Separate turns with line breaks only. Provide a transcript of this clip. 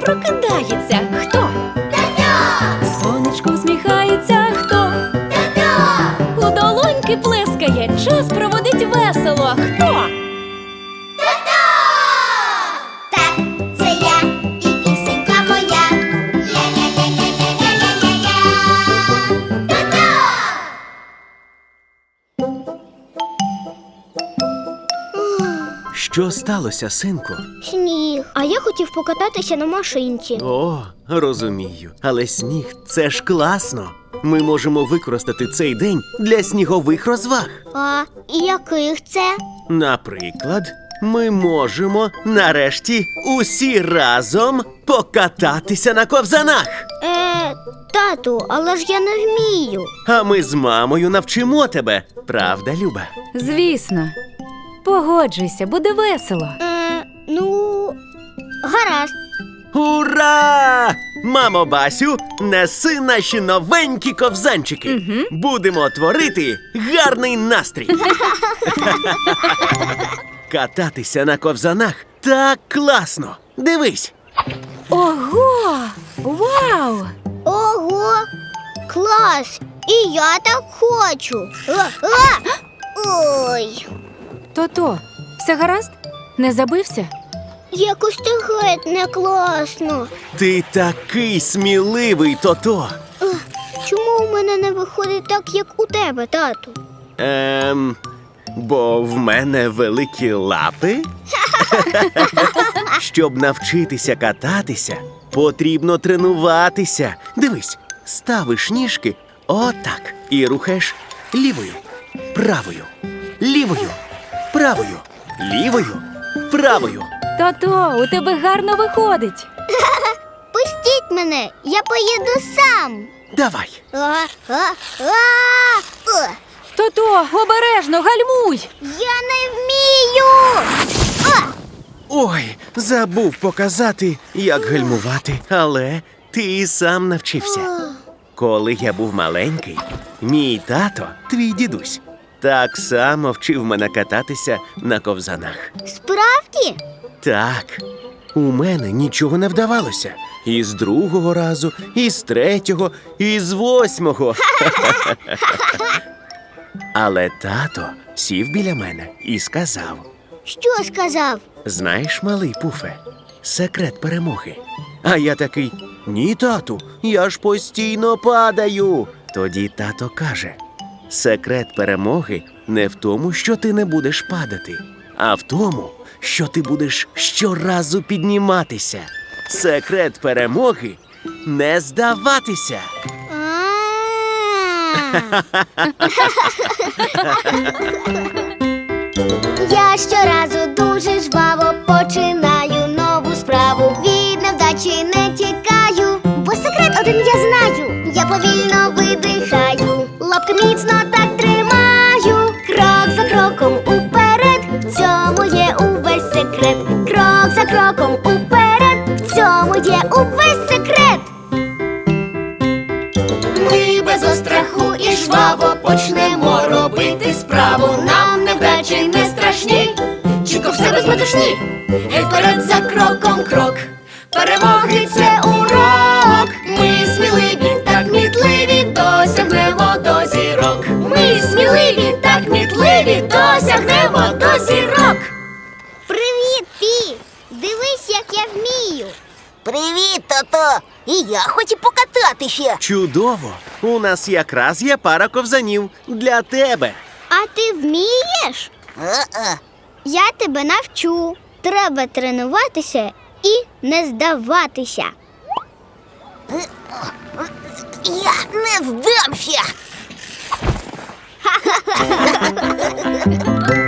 прокидається. Хто?
Тато!
Сонечко усміхається. Хто?
Тато!
У долоньки плескає. Час проводить весело. Хто?
Тато! Так, це я і пісенька моя. Ля-ля-ля-ля-ля-ля-ля-ля-ля. Тато!
Що сталося, синку?
Сніг. А я хотів покататися на машинці.
О, розумію. Але сніг – це ж класно. Ми можемо використати цей день для снігових розваг.
А яких це?
Наприклад, ми можемо нарешті усі разом покататися на ковзанах.
Тату, але ж я не вмію.
А ми з мамою навчимо тебе. Правда, Люба?
Звісно. Погоджуйся, буде весело.
Ну, гаразд.
Ура! Мамо Басю, неси наші новенькі ковзанчики. Будемо творити гарний настрій. Кататися на ковзанах так класно. Дивись.
Ого! Вау!
Ого! Клас! І я так хочу. Ой,
То-то, все гаразд? Не забився?
якось ти геть не класно.
Ти такий сміливий, Тото.
Чому у мене не виходить так, як у тебе, тату?
Бо в мене великі лапи. Щоб навчитися кататися, потрібно тренуватися. Дивись, ставиш ніжки отак і рухаєш лівою, правою, лівою, правою, лівою, правою.
То-то, у тебе гарно виходить.
Пустіть мене, я поїду сам.
Давай.
То-то, обережно, гальмуй!
Я не вмію.
Ой, забув показати, як гальмувати, але ти і сам навчився. Коли я був маленький, мій тато, твій дідусь, так само вчив мене кататися на ковзанах.
Справді?
Так, у мене нічого не вдавалося. І з другого разу, і з третього, і з восьмого. Але тато сів біля мене і сказав:
Що сказав?
знаєш, малий Пуфе, секрет перемоги. А я такий: ні, тату, я ж постійно падаю. Тоді тато каже: секрет перемоги не в тому, що ти не будеш падати, а в тому, що ти будеш щоразу підніматися. Секрет перемоги – не здаватися.
Я щоразу дуже жваво починаю нову справу. Від невдачі не тікаю, бо секрет один я знаю. Я повільно видихаю, лапки міцно так тримаю. Крок за кроком уперед, в цьому є увесь секрет. Крок за кроком уперед, в цьому є увесь секрет. Ми без остраху і жваво почнемо робити справу. Нам невдачі не страшні, чітко все без метушні. Гей вперед за кроком крок, перемоги це урок. Ми сміливі, так кмітливі, досягнемо до зірок. Ми сміливі, так кмітливі, досягнемо до зірок. Привіт, Пі! Дивись, як я вмію.
Привіт, тато! І я хочу покататися.
Чудово! У нас якраз є пара ковзанів для тебе.
А ти вмієш? Я тебе навчу. Треба тренуватися і не здаватися.
Я не здамся.